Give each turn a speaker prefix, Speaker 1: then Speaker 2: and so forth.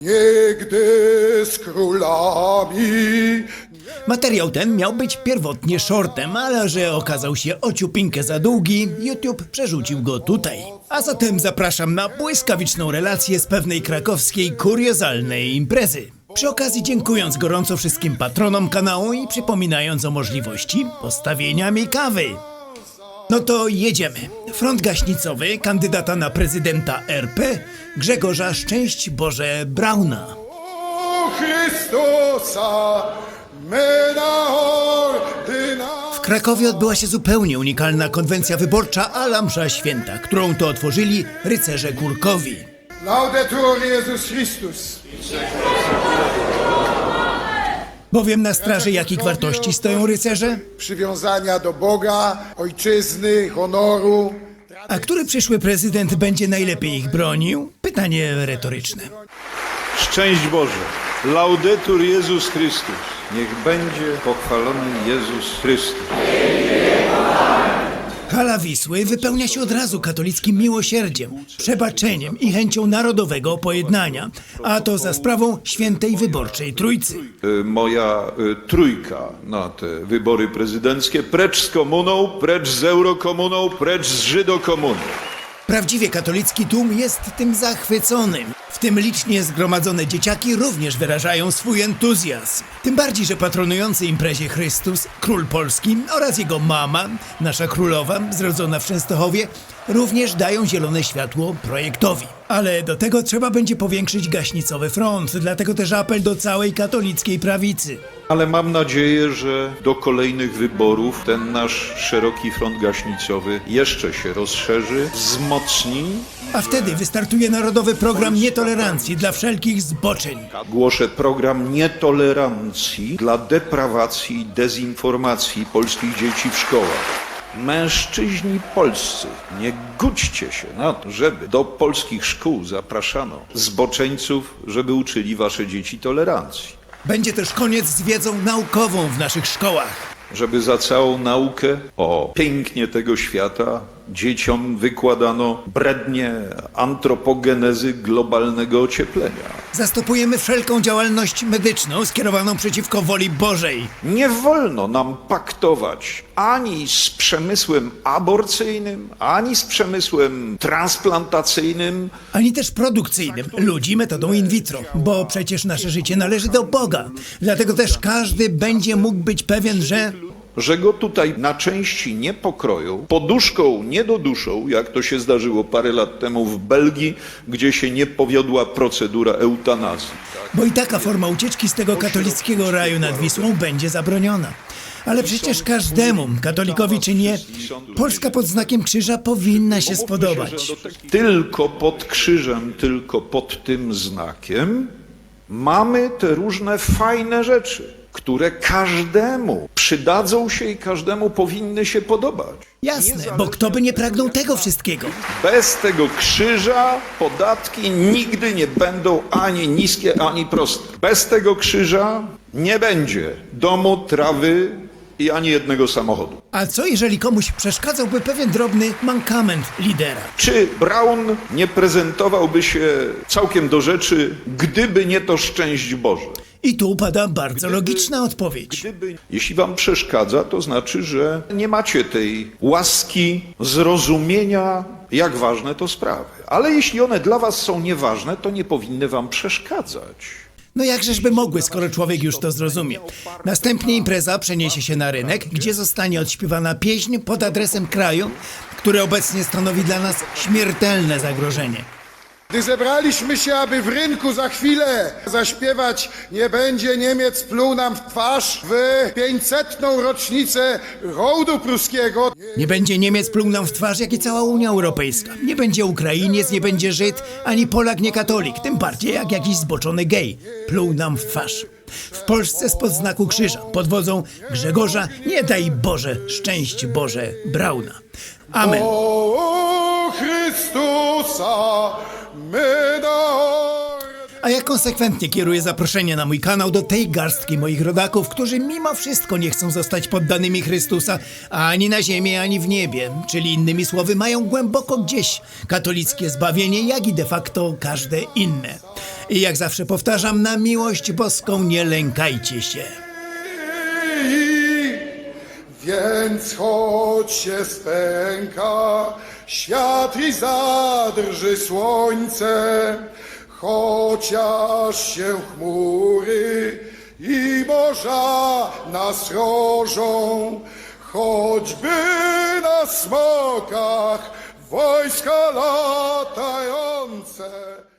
Speaker 1: Niegdy z królami.
Speaker 2: Materiał ten miał być pierwotnie shortem, ale że okazał się ociupinkę za długi, YouTube przerzucił go tutaj. A zatem zapraszam na błyskawiczną relację z pewnej krakowskiej kuriozalnej imprezy. Przy okazji dziękując gorąco wszystkim patronom kanału i przypominając o możliwości postawienia mi kawy. No to jedziemy. Front gaśnicowy kandydata na prezydenta RP Grzegorza Szczęść Boże Brauna.
Speaker 1: O Chrystusa, my na ordyna.
Speaker 2: W Krakowie odbyła się zupełnie unikalna konwencja wyborcza ala msza święta, którą to otworzyli rycerze Górkowi.
Speaker 1: Laudetur Jezus Chrystus.
Speaker 2: Bowiem na straży jakich wartości stoją rycerze?
Speaker 1: Przywiązania do Boga, ojczyzny, honoru.
Speaker 2: A który przyszły prezydent będzie najlepiej ich bronił? Pytanie retoryczne.
Speaker 3: Szczęść Boże! Laudetur Jezus Chrystus! Niech będzie pochwalony Jezus Chrystus.
Speaker 2: Hala Wisły wypełnia się od razu katolickim miłosierdziem, przebaczeniem i chęcią narodowego pojednania, a to za sprawą świętej wyborczej Trójcy.
Speaker 3: Moja trójka na te wybory prezydenckie. Precz z komuną, precz z eurokomuną, precz z żydokomuną.
Speaker 2: Prawdziwie katolicki tłum jest tym zachwyconym. W tym licznie zgromadzone dzieciaki również wyrażają swój entuzjazm. Tym bardziej, że patronujący imprezie Chrystus, król Polski oraz jego mama, nasza królowa, zrodzona w Częstochowie, również dają zielone światło projektowi. Ale do tego trzeba będzie powiększyć gaśnicowy front, dlatego też apel do całej katolickiej prawicy.
Speaker 3: Ale mam nadzieję, że do kolejnych wyborów ten nasz szeroki front gaśnicowy jeszcze się rozszerzy, wzmocni.
Speaker 2: A wtedy wystartuje narodowy program nietolerancji dla wszelkich zboczeń.
Speaker 3: Głoszę program nietolerancji dla deprawacji i dezinformacji polskich dzieci w szkołach. Mężczyźni polscy, nie gódźcie się na to, żeby do polskich szkół zapraszano zboczeńców, żeby uczyli wasze dzieci tolerancji.
Speaker 2: Będzie też koniec z wiedzą naukową w naszych szkołach.
Speaker 3: Żeby za całą naukę o pięknie tego świata dzieciom wykładano brednie antropogenezy globalnego ocieplenia.
Speaker 2: Zastopujemy wszelką działalność medyczną skierowaną przeciwko woli Bożej.
Speaker 3: Nie wolno nam paktować ani z przemysłem aborcyjnym, ani z przemysłem transplantacyjnym.
Speaker 2: Ani też produkcyjnym ludzi metodą in vitro, bo przecież nasze życie należy do Boga. Dlatego też każdy będzie mógł być pewien,
Speaker 3: że go tutaj na części nie pokroją, poduszką nie doduszą, jak to się zdarzyło parę lat temu w Belgii, gdzie się nie powiodła procedura eutanazji.
Speaker 2: bo i taka forma ucieczki z tego katolickiego raju nad Wisłą będzie zabroniona. Ale przecież każdemu, katolikowi czy nie, Polska pod znakiem krzyża powinna się spodobać.
Speaker 3: Tylko pod krzyżem, tylko pod tym znakiem mamy te różne fajne rzeczy, które każdemu przydadzą się i każdemu powinny się podobać.
Speaker 2: Jasne, bo kto by nie pragnął tego wszystkiego?
Speaker 3: Bez tego krzyża podatki nigdy nie będą ani niskie, ani proste. Bez tego krzyża nie będzie domu, trawy i ani jednego samochodu.
Speaker 2: A co jeżeli komuś przeszkadzałby pewien drobny mankament lidera?
Speaker 3: Czy Braun nie prezentowałby się całkiem do rzeczy, gdyby nie to szczęść Boże?
Speaker 2: I tu pada bardzo logiczna odpowiedź.
Speaker 3: Jeśli wam przeszkadza, to znaczy, że nie macie tej łaski, zrozumienia, jak ważne to sprawy. Ale jeśli one dla was są nieważne, to nie powinny wam przeszkadzać.
Speaker 2: No jakżeżby mogły, skoro człowiek już to zrozumie. Następnie impreza przeniesie się na rynek, gdzie zostanie odśpiewana pieśń pod adresem kraju, który obecnie stanowi dla nas śmiertelne zagrożenie.
Speaker 1: Gdy zebraliśmy się, aby w rynku za chwilę zaśpiewać Nie będzie Niemiec pluł nam w twarz w 500. rocznicę hołdu pruskiego.
Speaker 2: Nie będzie Niemiec pluł nam w twarz, jak i cała Unia Europejska. Nie będzie Ukrainiec, nie będzie Żyd, ani Polak, nie katolik. Tym bardziej jak jakiś zboczony gej. Pluł nam w twarz. W Polsce spod znaku krzyża pod wodzą Grzegorza, nie daj Boże, szczęść Boże Brauna. Amen.
Speaker 1: O Chrystusa, my na
Speaker 2: A ja konsekwentnie kieruję zaproszenie na mój kanał do tej garstki moich rodaków, którzy mimo wszystko nie chcą zostać poddanymi Chrystusa ani na ziemi, ani w niebie. Czyli innymi słowy mają głęboko gdzieś katolickie zbawienie, jak i de facto każde inne. I jak zawsze powtarzam, na miłość boską nie lękajcie się.
Speaker 1: Więc choć się spęka świat i zadrży słońce, chociaż się chmury i morza nas rożą, choćby na smokach wojska latające.